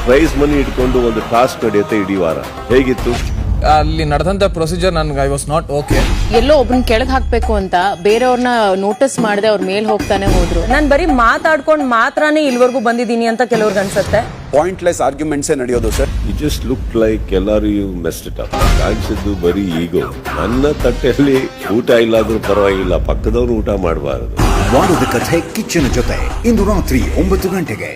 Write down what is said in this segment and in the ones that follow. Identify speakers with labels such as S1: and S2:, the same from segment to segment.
S1: Prize money ಇಟ್ಕೊಂಡು ಒಂದು task ನಡೆಯುತ್ತೆ ಇಡೀ ವಾರ. ಹೇಗಿತ್ತು?
S2: ಅಲ್ಲಿ ನಡೆದಂತ ಪ್ರೊಸೀಜರ್ ನನ್ಗೆ ಐ ವಾಸ್ ನಾಟ್ ಓಕೆ.
S3: ಎಲ್ಲೋ ಒಬ್ರನ್ನ ಕೆಳಗ್ ಹಾಕ್ಬೇಕು ಅಂತ ಬೇರೆಯವ್ರನ್ನ ನೋಟಿಸ್ ಮಾಡದೆ ಅವ್ರ ಮೇಲ್ ಹೋಗ್ತಾನೆ ಹೋದ್ರು. ನಾನ್ ಬರೀ ಮಾತಾಡ್ಕೊಂಡ್ ಮಾತ್ರನೇ ಇಲ್ವರೆಗೂ ಬಂದಿದ್ದೀನಿ ಅಂತ ಕೆಲವ್ರಿಗೆ ಅನ್ಸುತ್ತೆ.
S4: ಪಾಯಿಂಟ್ಲೆಸ್ ಆರ್ಗ್ಯುಮೆಂಟ್ಸ್ ನಡೆಯೋದು sir.
S1: You just look like ಎಲ್ಲರೂ ಯು ಮೆಸ್ಡ್ ಇಟ್ ಅಪ್. ಕಾಣಿಸಿದ್ದು ಬರೀ ಈಗೋ. ನನ್ನ ತಟ್ಟೆಯಲ್ಲಿ ಊಟ ಇಲ್ಲಾದ್ರೂ ಪರವಾಗಿಲ್ಲ, ಪಕ್ಕದವ್ರು ಊಟ ಮಾಡಬಾರದು.
S5: ವಾರದ ಕಥೆ ಕಿಚ್ಚನ ಜೊತೆ ಇಂದು ರಾತ್ರಿ 9 ಗಂಟೆಗೆ.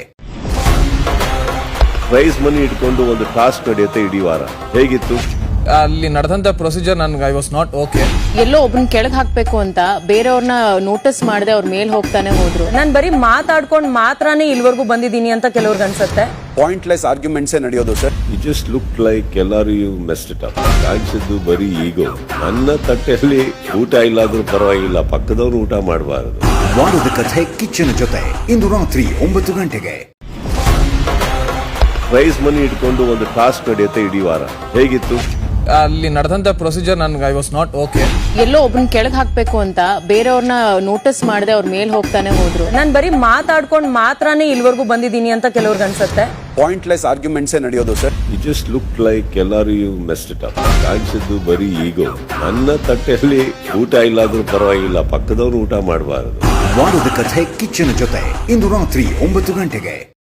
S1: ಪ್ರೈಸ್ ಮನಿ ಇಟ್ಕೊಂಡು ಒಂದು ಟಾಸ್ಕ್ ನಡೆಯುತ್ತೆ ಇಡೀ ವಾರ. ಹೇಗಿತ್ತು?
S2: ಅಲ್ಲಿ ನಡೆದಂತ ಪ್ರೊಸೀಜರ್ ನನ್ಗೆ ಐ ವಾಸ್ ನಾಟ್ ಓಕೆ.
S3: ಎಲ್ಲೋ ಒಬ್ರನ್ನ ಕೆಳಗ್ ಹಾಕ್ಬೇಕು ಅಂತ ಬೇರೆಯವ್ರನ್ನ ನೋಟಿಸ್ ಮಾಡದೆ ಅವ್ರ ಮೇಲ್ ಹೋಗ್ತಾನೆ ಹೋದ್ರು. ನಾನ್ ಬರೀ ಮಾತಾಡ್ಕೊಂಡ್ ಮಾತ್ರನೇ ಇಲ್ವರೆಗೂ ಬಂದಿದ್ದೀನಿ ಅಂತ ಕೆಲವ್ರಿಗೆ ಅನ್ಸುತ್ತೆ.
S4: ಪಾಯಿಂಟ್ಲೆಸ್ ಆರ್ಗ್ಯುಮೆಂಟ್ಸ್ ನಡೆಯೋದು sir.
S1: You just look like ಎಲ್ಲರೂ ಯು ಮೆಸ್ಡ್ ಇಟ್ ಅಪ್. ಕಾಣಿಸಿದ್ದು ಬರೀ ಈಗೋ. ನನ್ನ ತಟ್ಟೆಯಲ್ಲಿ ಊಟ ಇಲ್ಲಾದ್ರೂ ಪರವಾಗಿಲ್ಲ, ಪಕ್ಕದವ್ರು ಊಟ ಮಾಡಬಾರದು.
S5: ವಾರದ ಕಥೆ ಕಿಚ್ಚನ ಜೊತೆ ಇಂದು ರಾತ್ರಿ 9 ಗಂಟೆಗೆ.
S1: ಪ್ರೈಸ್ ಮನಿ ಇಟ್ಕೊಂಡು ಒಂದು ಟಾಸ್ಕ್ ನಡೆಯುತ್ತೆ ಇಡೀ ವಾರ. ಹೇಗಿತ್ತು?
S2: ಅಲ್ಲಿ ನಡೆದಂತ ಪ್ರೊಸೀಜರ್ ನನ್ಗೆ ಐ ವಾಸ್ ನಾಟ್ ಓಕೆ.
S3: ಎಲ್ಲೋ ಒಬ್ರನ್ನ ಕೆಳಗ್ ಹಾಕ್ಬೇಕು ಅಂತ ಬೇರೆಯವ್ರನ್ನ ನೋಟಿಸ್ ಮಾಡದೆ ಅವ್ರ ಮೇಲ್ ಹೋಗ್ತಾನೆ ಹೋದ್ರು. ನಾನ್ ಬರೀ ಮಾತಾಡ್ಕೊಂಡ್ ಮಾತ್ರನೇ ಇಲ್ವರೆಗೂ ಬಂದಿದ್ದೀನಿ ಅಂತ ಕೆಲವ್ರಿಗೆ ಅನ್ಸುತ್ತೆ.
S4: ಪಾಯಿಂಟ್ಲೆಸ್ ಆರ್ಗ್ಯುಮೆಂಟ್ಸ್ ನಡೆಯೋದು sir.
S1: You just look like ಎಲ್ಲರೂ ಯು ಮೆಸ್ಡ್ ಇಟ್ ಅಪ್. ಕಾಣಿಸಿದ್ದು ಬರೀ ಈಗೋ. ನನ್ನ ತಟ್ಟೆಯಲ್ಲಿ ಊಟ ಇಲ್ಲಾದ್ರೂ ಪರವಾಗಿಲ್ಲ, ಪಕ್ಕದವ್ರು ಊಟ ಮಾಡಬಾರದು.
S5: ವಾರದ ಕಥೆ ಕಿಚ್ಚನ ಜೊತೆ ಇಂದು ರಾತ್ರಿ 9 ಗಂಟೆಗೆ.